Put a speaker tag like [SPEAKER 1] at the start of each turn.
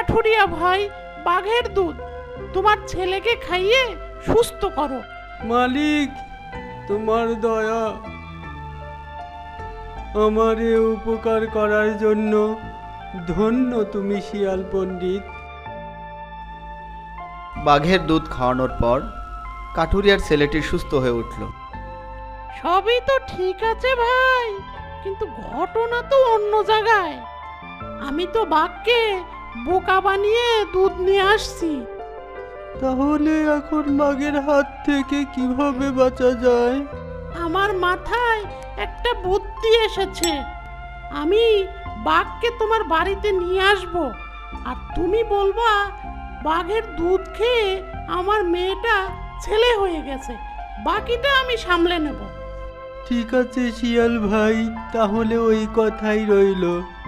[SPEAKER 1] কাঠুরিয়া ভাই, বাঘের দুধ তোমার ছেলেকে খাইয়ে সুস্থ করো।
[SPEAKER 2] মালিক, তোমার দয়া। আমার এ উপকার করার জন্য ধন্য তুমি শিয়াল পণ্ডিত।
[SPEAKER 3] বাঘের দুধ খাওয়ানোর পর কাঠুরিয়ার ছেলেটি সুস্থ হয়ে উঠল।
[SPEAKER 1] সবই তো ঠিক আছে ভাই, কিন্তু ঘটনা তো অন্য জায়গায়। আমি তো বাঘকে বোকা বানিয়ে দুধ নিয়ে আসছি।
[SPEAKER 2] তাহলে এখন বাঘের হাত থেকে কিভাবে বাঁচা যায়?
[SPEAKER 1] আমার মাথায় একটা বুদ্ধি এসেছে। আমি বাঘকে তোমার বাড়িতে নিয়ে আসব, আর তুমি বলবা বাঘের দুধ খেয়ে আমার মেয়েটা ছেলে হয়ে গেছে, বাকিটা আমি সামলে নেব।
[SPEAKER 2] ঠিক আছে শিয়াল ভাই, তাহলে ওই কথাই রইল।